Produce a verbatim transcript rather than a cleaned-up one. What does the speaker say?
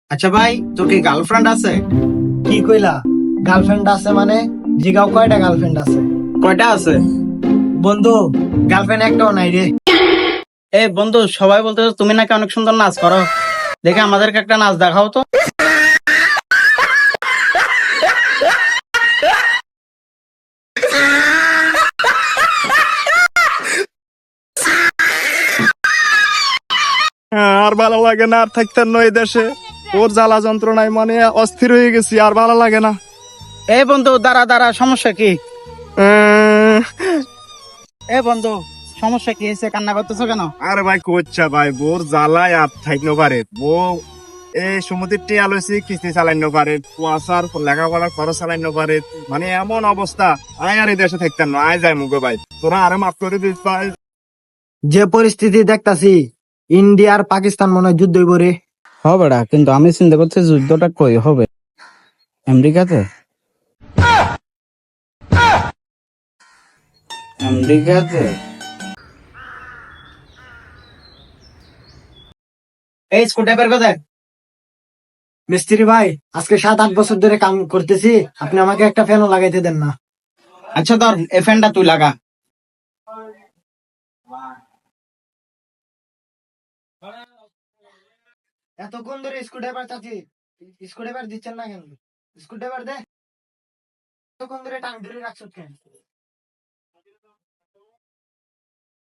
আচ্ছা ভাই, তোর কি গার্লফ্রেন্ড আছে? কি কইলা? গার্লফ্রেন্ড আছে মানে? জিগাও কয়টা গার্লফ্রেন্ড আছে? কয়টা আছে? বন্ধু, গার্লফ্রেন্ড একটাও নাই রে। এ বন্ধু, সবাই বলতে তুমি নাকি অনেক সুন্দর নাচ করো, দেখে আমাদেরকে একটা নাচ দেখাও তো। হ্যাঁ, আর ভালো লাগে না, আর থাকতেন না এই দেশে। ওর জ্বালা যন্ত্রণায় মানে অস্থির হয়ে গেছি, আর ভালো লাগে না। এ বন্ধু, দাঁড়া দাঁড়া, সমস্যা কি? আহ, এ বন্ধু, সমস্যা কি হয়েছে? কান্না করতেছো কেন? আরে ভাই কোচ্ছা ভাই, বোর জ্বালায় আর থাকতে পারে বউ। এই সমুদ্রের টিয়া লইছি, কিস্তি চালাইতে পারে, কুয়াশার লেখাপড়ার খরচ চালাইতে পারে, মানে এমন অবস্থা। আয় আর এই দেশে থাকতেন না, আয় যায় মুগো ভাই, তোরা আরে মাফ করে দিস ভাই। যে পরিস্থিতি দেখতাছি, ইন্ডিয়া আর পাকিস্তান মনে হয় যুদ্ধ হইব রে। হবে না, কিন্তু আমি চিন্তা করছি যুদ্ধটা কই হবে, আমেরিকাতে? আমেরিকাতে? এই স্কুটার বের করে দেখ। মিস্ত্রি ভাই, আজকে সাত আট বছর ধরে কাম করতেছি, আপনি আমাকে একটা ফ্যানও লাগাইতে দেন না। আচ্ছা ধর, এই ফ্যানটা তুই লাগা। এতক্ষণ ধরে স্ক্রুড্রাইভার চাচ্ছি, স্ক্রুড্রাইভার দিচ্ছেন না কেন? স্ক্রুড্রাইভার দে। এতক্ষণ ধরে টান ধরে রাখছো কেন?